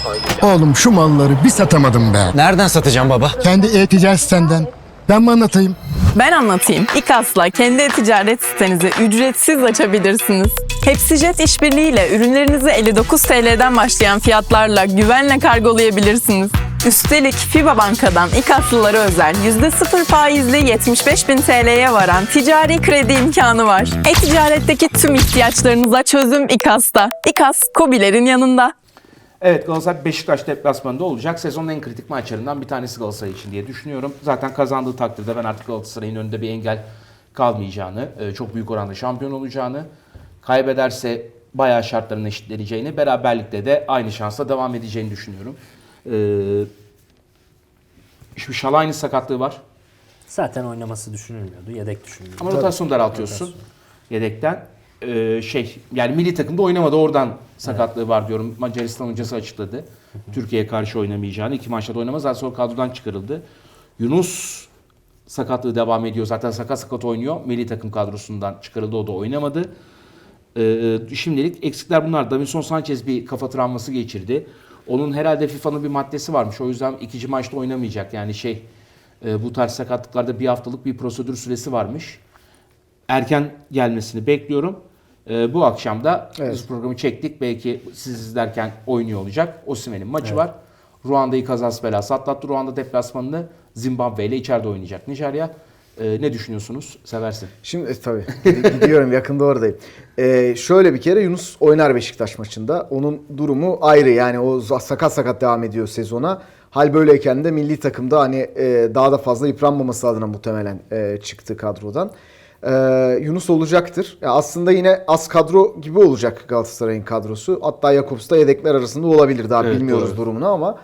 Oğlum şu malları bir satamadım be. Nereden satacağım baba? Kendi e-ticaret sitenden. Ben mi anlatayım? Ben anlatayım. İKAS'la kendi e-ticaret sitenizi ücretsiz açabilirsiniz. Hepsijet işbirliğiyle ürünlerinizi 59 TL'den başlayan fiyatlarla güvenle kargolayabilirsiniz. Üstelik FIBA Banka'dan İKAS'lılara özel %0 faizli 75.000 TL'ye varan ticari kredi imkanı var. E-ticaretteki tüm ihtiyaçlarınıza çözüm İKAS'ta. İKAS, KOBİ'lerin yanında. Evet, Galatasaray Beşiktaş deplasmanında olacak. Sezonun en kritik maçlarından bir tanesi Galatasaray için diye düşünüyorum. Zaten kazandığı takdirde ben artık Galatasaray'ın önünde bir engel kalmayacağını, çok büyük oranda şampiyon olacağını, kaybederse bayağı şartların eşitleneceğini, beraberlikte de aynı şansla devam edeceğini düşünüyorum. Şimdi Şalay'ın sakatlığı var. Zaten oynaması düşünülmüyordu. Yedek düşünülüyordu. Ama rotasyon daraltıyorsun yedekten. Yani milli takımda oynamadı, oradan sakatlığı var diyorum. Macaristan hocası açıkladı. Türkiye'ye karşı oynamayacağını. 2 maçta da oynamaz. Daha sonra kadrodan çıkarıldı. Yunus sakatlığı devam ediyor. Zaten sakat oynuyor. Milli takım kadrosundan çıkarıldı. O da oynamadı. Şimdilik eksikler bunlar. Davinson Sanchez bir kafa travması geçirdi. Onun herhalde FIFA'nın bir maddesi varmış. O yüzden ikinci maçta oynamayacak. Yani bu tarz sakatlıklarda bir haftalık bir prosedür süresi varmış. Erken gelmesini bekliyorum. Bu akşam da biz programı çektik. Belki siz izlerken oynuyor olacak. Osimhen'in maçı var. Ruanda'yı kazası belası atlattı. Ruanda deplasmanını Zimbabwe ile içeride oynayacak Nijerya. Ne düşünüyorsunuz? Seversin. Şimdi tabii gidiyorum, yakında oradayım. Şöyle bir kere Yunus oynar Beşiktaş maçında. Onun durumu ayrı, yani o sakat devam ediyor sezona. Hal böyleyken de milli takımda hani daha da fazla yıpranmaması adına muhtemelen çıktı kadrodan. Yunus olacaktır. Aslında yine az kadro gibi olacak Galatasaray'ın kadrosu. Hatta Jakobs da yedekler arasında olabilir. Daha bilmiyoruz doğru durumunu ama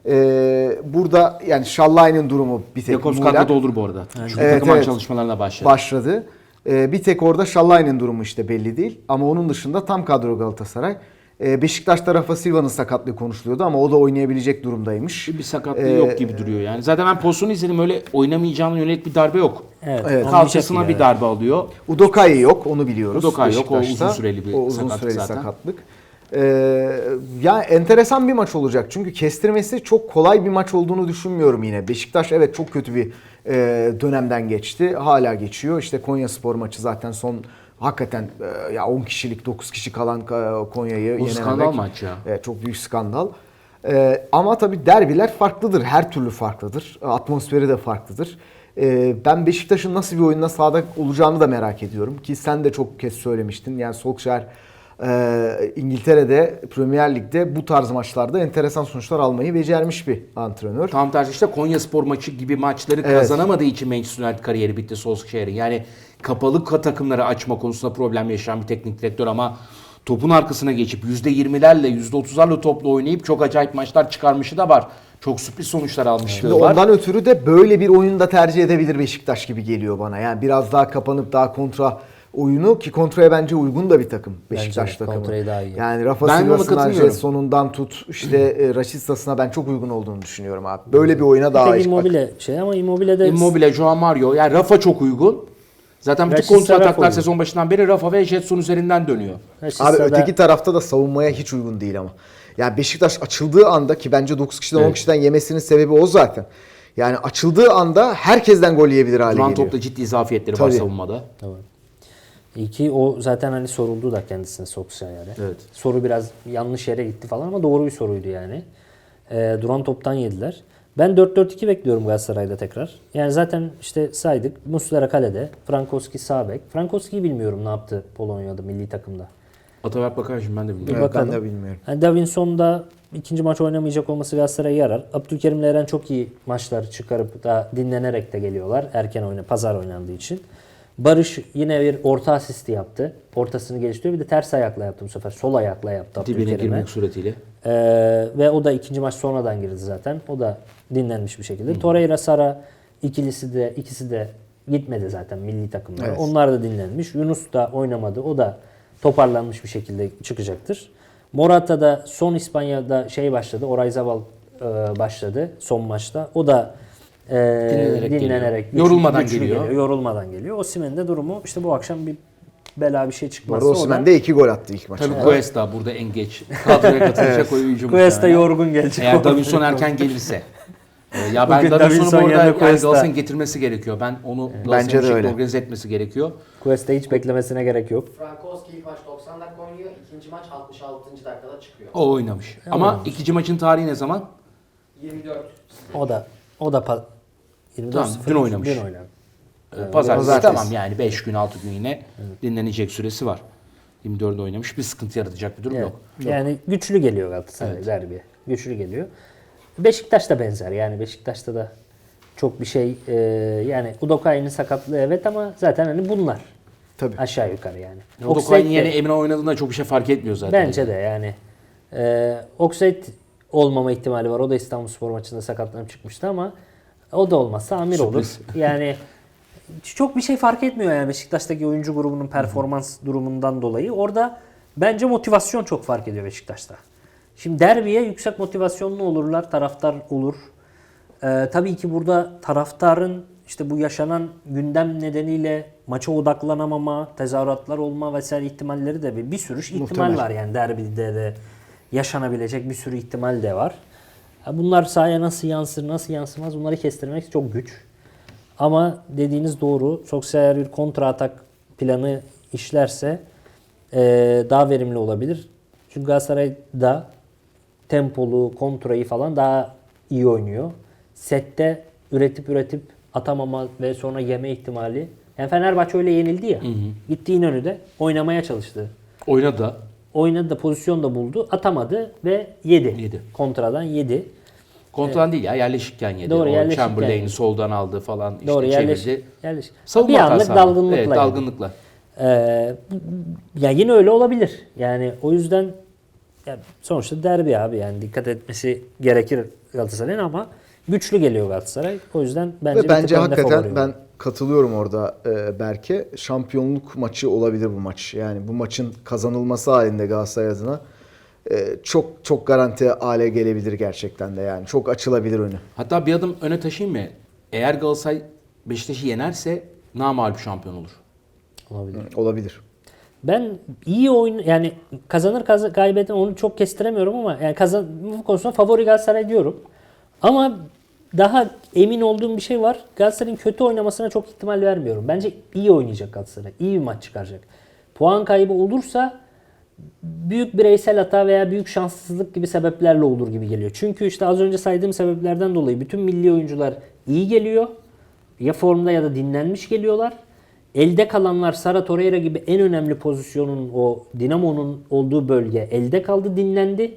burada yani Şallay'ın durumu bir tek Jakobs kadroda olur bu arada. Çünkü takım çalışmalarına başladı. Bir tek orada Şallay'ın durumu işte belli değil. Ama onun dışında tam kadro Galatasaray. Beşiktaş'ta Rafa Silva'nın sakatlığı konuşuluyordu ama o da oynayabilecek durumdaymış. Bir sakatlığı yok gibi duruyor yani. Zaten ben pozisyonu izledim, öyle oynamayacağına yönelik bir darbe yok. Evet. Kalçasına bir darbe alıyor. Udokai yok, onu biliyoruz. Udokai yok, o Beşiktaş'ta. uzun süreli bir sakatlık. Ya enteresan bir maç olacak. Çünkü kestirmesi çok kolay bir maç olduğunu düşünmüyorum yine. Beşiktaş evet çok kötü bir dönemden geçti. Hala geçiyor. İşte Konyaspor maçı zaten son hakikaten ya 10 kişilik 9 kişi kalan Konya'yı yenememek. Skandal maç ya. Çok büyük skandal. Ama tabii derbiler farklıdır. Her türlü farklıdır. Atmosferi de farklıdır. Ben Beşiktaş'ın nasıl bir oyunla sahada olacağını da merak ediyorum. Ki sen de çok kez söylemiştin. Yani Solskjaer İngiltere'de Premier Lig'de bu tarz maçlarda enteresan sonuçlar almayı becermiş bir antrenör. Tam tersi işte Konyaspor maçı gibi maçları kazanamadığı için Manchester United kariyeri bitti Solskjaer'in. Yani kapalı takımları açma konusunda problem yaşayan bir teknik direktör ama topun arkasına geçip %20'lerle %30'larla topla oynayıp çok acayip maçlar çıkarmışı da var. Çok sürpriz sonuçlar almışlığı var. Ondan ötürü de böyle bir oyunu da tercih edebilir Beşiktaş gibi geliyor bana. Yani biraz daha kapanıp daha kontra oyunu, ki kontraya bence uygun da bir takım Beşiktaş takımı. Kontrayı daha iyi. Yani Rafa Silva'sına, Jetson'undan tut işte Raşitsa'sına ben çok uygun olduğunu düşünüyorum abi. Böyle bir oyuna daha iyi. Immobile ama Immobile'de... Immobile, Joao Mario, yani Rafa çok uygun. Zaten bütün kontra ataklar sezon başından beri Rafa ve Jetson üzerinden dönüyor. Abi öteki tarafta da savunmaya hiç uygun değil ama. Yani Beşiktaş açıldığı anda, ki bence 9 kişiden 10 kişiden yemesinin sebebi o zaten. Yani açıldığı anda herkesten gol yiyebilir hale geliyor. Topla ciddi zafiyetleri var savunmada. Tamam. İyi ki o zaten hani soruldu da kendisine Solskjaer'e. Evet. Soru biraz yanlış yere gitti falan ama doğru bir soruydu yani. Duran toptan yediler. Ben 4-4-2 bekliyorum Galatasaray'da tekrar. Yani zaten işte saydık. Muslera kalede. Frankowski sağ bek. Frankowski'yi bilmiyorum ne yaptı Polonya'da milli takımda. Ataberk Bakar'cığım ben de bilmiyorum. Evet, ben de bilmiyorum. Yani Davinson da ikinci maç oynamayacak olması Galatasaray'a yarar. Abdülkerim'le Eren çok iyi maçlar çıkarıp da dinlenerek de geliyorlar. Pazar oynandığı için. Barış yine bir orta asisti yaptı. Ortasını geliştiriyor. Bir de ters ayakla yaptı bu sefer. Sol ayakla yaptı Abdülkerim'e. Dibine girmek suretiyle. Ve o da ikinci maç sonradan girdi zaten. O da dinlenmiş bir şekilde. Torreira, Sara ikisi de gitmedi zaten milli takımlara. Evet. Onlar da dinlenmiş. Yunus da oynamadı. O da toparlanmış bir şekilde çıkacaktır. Morata da son İspanya'da başladı. Oyarzabal başladı son maçta. O da dinlenerek yorulmadan geliyor. Yorulmadan geliyor. Osimhen'in de durumu işte bu akşam bir bela bir şey Bu çıkmazsa arada Osimhen de 2 gol attı ilk maçta. Tabii Cuesta burada en geç kadroya katılacak oyuncu. Cuesta muhtemelen. yorgun gelecek. Eğer Davinson erken gelirse. Ya ben Bugün Davinson'u Davinson bu arada yerine yani Cuesta. Galatasaray'ın getirmesi gerekiyor. Ben onu Bence Galatasaray'ın de bir şekilde öyle. organize etmesi gerekiyor. Cuesta hiç beklemesine gerek yok. Frankowski ilk maç 90 dakika oynuyor, ikinci maç 66. dakikada çıkıyor. O oynamış. Ama ikinci maçın tarihi ne zaman? 24. O da 24 Tamam, dün oynamış. Dün oynadı. Pazartesi. Pazartesi. Tamam yani 5 gün 6 gün yine dinlenecek süresi var. 24'de oynamış. Bir sıkıntı yaratacak bir durum Evet. yok. Yani güçlü geliyor Galatasaray derbi. Güçlü geliyor. Beşiktaş da benzer. Yani Beşiktaş'ta da çok bir şey yani Udokay'ın sakatlığı evet ama zaten hani bunlar. Tabii. Aşağı yukarı yani. Odokoy'un Oxlade yeni de- Emre oynadığında çok bir şey fark etmiyor zaten. Bence de yani. Oxlade olmama ihtimali var. O da İstanbulspor maçında sakatlanıp çıkmıştı ama o da olmazsa Amir Sürpriz. olur. Yani çok bir şey fark etmiyor yani Beşiktaş'taki oyuncu grubunun performans durumundan dolayı. Orada bence motivasyon çok fark ediyor Beşiktaş'ta. Şimdi derbiye yüksek motivasyonlu olurlar, taraftar olur. Tabii ki burada taraftarın işte bu yaşanan gündem nedeniyle maça odaklanamama, tezahüratlar olma vesaire ihtimalleri de bir sürü ihtimal Muhtemel. var yani derbide de yaşanabilecek bir sürü ihtimal de var. Bunlar sahaya nasıl yansır, nasıl yansımaz bunları kestirmek çok güç. Ama dediğiniz doğru. Solskjaer bir kontra atak planı işlerse daha verimli olabilir. Çünkü Galatasaray da tempolu, kontrayı falan daha iyi oynuyor. Sette üretip atamama ve sonra yeme ihtimali. Yani Fenerbahçe öyle yenildi ya. Gitti İnönü'de oynamaya çalıştı. Oynadı da. Oynadı da pozisyon da buldu. Atamadı ve yedi. Yedi. Kontradan yedi. Kontrol değil ya yerleşikken yedi. Doğru, o yerleşikken Chamberlain'i yedi. soldan aldı falan işte Doğru çevirdi. yerleş. Savunma Bir anlık hatası ama. dalgınlıkla. Evet yedi. dalgınlıkla. Ya yine öyle olabilir. Yani o yüzden ya sonuçta derbi abi yani dikkat etmesi gerekir Galatasaray'ın ama güçlü geliyor Galatasaray. O yüzden bence Ve bir bence tık önde hakikaten favori ben olur. katılıyorum orada Berke. Şampiyonluk maçı olabilir bu maç. Yani bu maçın kazanılması halinde Galatasaray adına çok çok garanti hale gelebilir gerçekten de yani. Çok açılabilir önü. Hatta bir adım öne taşıyayım mı? Eğer Galatasaray Beşiktaş'ı yenerse namağlup şampiyon olur. Olabilir. Olabilir. Ben iyi oyun yani kazanır kaybeder onu çok kestiremiyorum ama yani bu konusunda favori Galatasaray diyorum. Ama daha emin olduğum bir şey var. Galatasaray'ın kötü oynamasına çok ihtimal vermiyorum. Bence iyi oynayacak Galatasaray. İyi bir maç çıkaracak. Puan kaybı olursa büyük bireysel hata veya büyük şanssızlık gibi sebeplerle olur gibi geliyor. Çünkü işte az önce saydığım sebeplerden dolayı bütün milli oyuncular iyi geliyor. Ya formda ya da dinlenmiş geliyorlar. Elde kalanlar Sara Torreira gibi en önemli pozisyonun o Dinamo'nun olduğu bölge elde kaldı, dinlendi.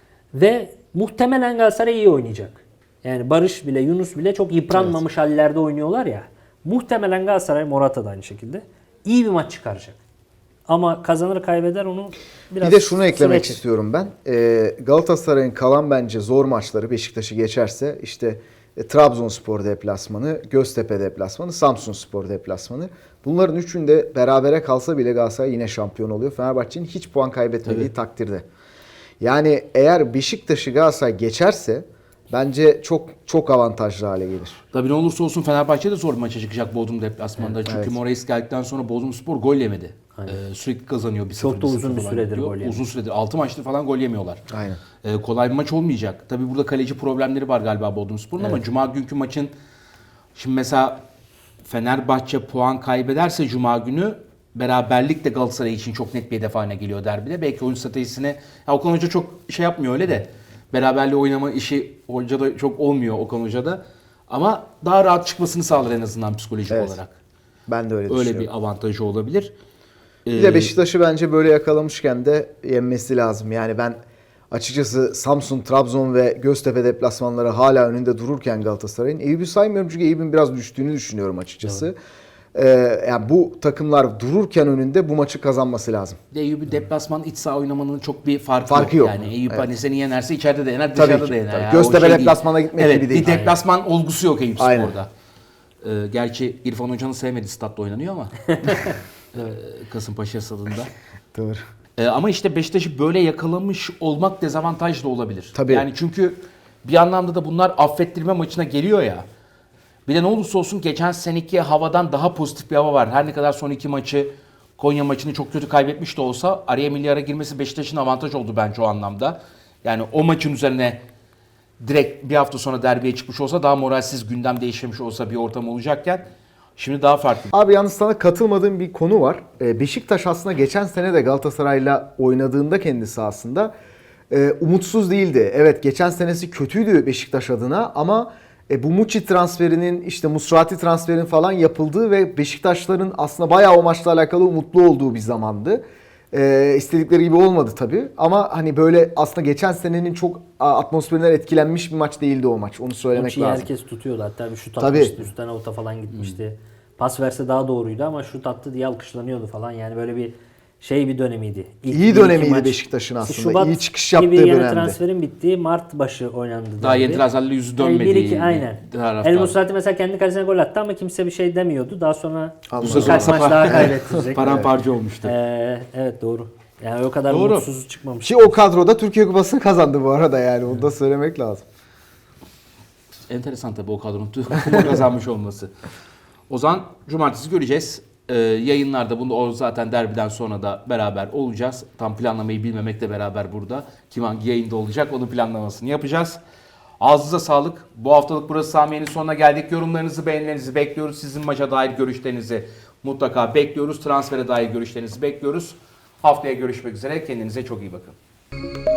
Ve muhtemelen Galatasaray iyi oynayacak. Yani Barış bile, Yunus bile çok yıpranmamış hallerde oynuyorlar ya. Muhtemelen Galatasaray, Morata da aynı şekilde iyi bir maç çıkaracak. Ama kazanır kaybeder onu biraz Bir de şunu eklemek süreç. istiyorum ben. Galatasaray'ın kalan bence zor maçları Beşiktaş'ı geçerse işte Trabzonspor deplasmanı, Göztepe deplasmanı, Samsunspor deplasmanı. Bunların üçünde berabere kalsa bile Galatasaray yine şampiyon oluyor. Fenerbahçe'nin hiç puan kaybetmediği takdirde. Yani eğer Beşiktaş'ı Galatasaray geçerse bence çok çok avantajlı hale gelir. Tabii ne olursa olsun Fenerbahçe de zor bir maça çıkacak Bodrum deplasmanında. Çünkü Evet. Moraes geldikten sonra Bodrumspor gol yemedi. Sürekli kazanıyor 1-0. Çok da 1-0 uzun bir falan süredir gidiyor. gol yemiyor. Uzun süredir 6 maçtır falan gol yemiyorlar. Aynen. Kolay bir maç olmayacak. Tabii burada kaleci problemleri var galiba Bodrumspor'un ama Cuma günkü maçın şimdi mesela Fenerbahçe puan kaybederse Cuma günü beraberlik de Galatasaray için çok net bir hedef haline geliyor derbide. Belki oyun stratejisine Okan Hoca çok şey yapmıyor öyle de beraberliği oynama işi hocada çok olmuyor Okan Hoca'da. Ama daha rahat çıkmasını sağlar en azından psikolojik Evet. olarak. Ben de öyle Öyle düşünüyorum. bir avantajı olabilir. Bir de Beşiktaş'ı bence böyle yakalamışken de yenmesi lazım. Yani ben açıkçası Samsun, Trabzon ve Göztepe deplasmanları hala önünde dururken Galatasaray'ın Eyüp'ü saymıyorum çünkü Eyüp'ün biraz düştüğünü düşünüyorum açıkçası. Yani bu takımlar dururken önünde bu maçı kazanması lazım. Eyüp'ü deplasman iç saha oynamanın çok bir Farkı yok. Yani Eyüp hani seni yenerse içeride de yener, Tabii dışarıda ki, da yener. tabii. Ya. Göztepe O şey değil. deplasmana gitmek evet, gibi değil. Bir deplasman olgusu yok Eyüp Aynen. Spor'da. Gerçi İrfan Hoca'nın sevmediği statta oynanıyor ama Kasımpaşa stadında. Doğru. Ama işte Beşiktaş'ı böyle yakalamış olmak dezavantaj da olabilir. Tabii. Yani çünkü bir anlamda da bunlar affettirme maçına geliyor ya. Bir de ne olursa olsun geçen seneki havadan daha pozitif bir hava var. Her ne kadar son iki maçı Konya maçını çok kötü kaybetmiş de olsa araya milli ara girmesi Beşiktaş'ın avantaj oldu bence o anlamda. Yani o maçın üzerine direkt bir hafta sonra derbiye çıkmış olsa daha moralsiz, gündem değişmemiş olsa bir ortam olacakken şimdi daha farklı. Abi yalnız sana katılmadığım bir konu var. Beşiktaş aslında geçen sene de Galatasaray'la oynadığında kendisi aslında umutsuz değildi. Evet, geçen senesi kötüydü Beşiktaş adına ama bu Muçi transferinin, işte Musrati transferinin falan yapıldığı ve Beşiktaşların aslında bayağı o maçla alakalı umutlu olduğu bir zamandı. İstedikleri gibi olmadı tabii ama hani böyle aslında geçen senenin çok atmosferinden etkilenmiş bir maç değildi o maç. Onu söylemek Muçi'yi lazım. herkes tutuyordu. Hatta bir şut Tabii. atmıştı. Üstten avuta falan gitmişti. Pas verse daha doğruydu ama şut attı diye alkışlanıyordu falan. Yani böyle bir bir dönemiydi. İyi dönemiydi Beşiktaş'ın aslında. Şubat İyi çıkış yaptığı gibi yani dönemde. transferin bittiği Mart başı oynandı. Daha derbi. yeni transferle yüzü Yani dönmediği bir iki aynen. tarafta. El Musrati mesela kendi kalesine gol attı ama kimse bir şey demiyordu. Daha sonra Anladım. birkaç maç daha kaybettirecek. Paramparça olmuştu. Evet doğru. Yani o kadar Doğru. mutsuz çıkmamış. Ki o kadroda Türkiye Kupası'nı kazandı bu arada, yani onu da söylemek lazım. Enteresan tabii o kadronun kupa kazanmış olması. O zaman cumartesi göreceğiz. Yayınlarda bunu o zaten derbiden sonra da beraber olacağız. Tam planlamayı bilmemekle beraber burada kim hangi yayında olacak onun planlamasını yapacağız. Ağzınıza sağlık. Bu haftalık burası Samiye'nin sonuna geldik. Yorumlarınızı, beğenilerinizi bekliyoruz. Sizin maça dair görüşlerinizi mutlaka bekliyoruz. Transfere dair görüşlerinizi bekliyoruz. Haftaya görüşmek üzere. Kendinize çok iyi bakın.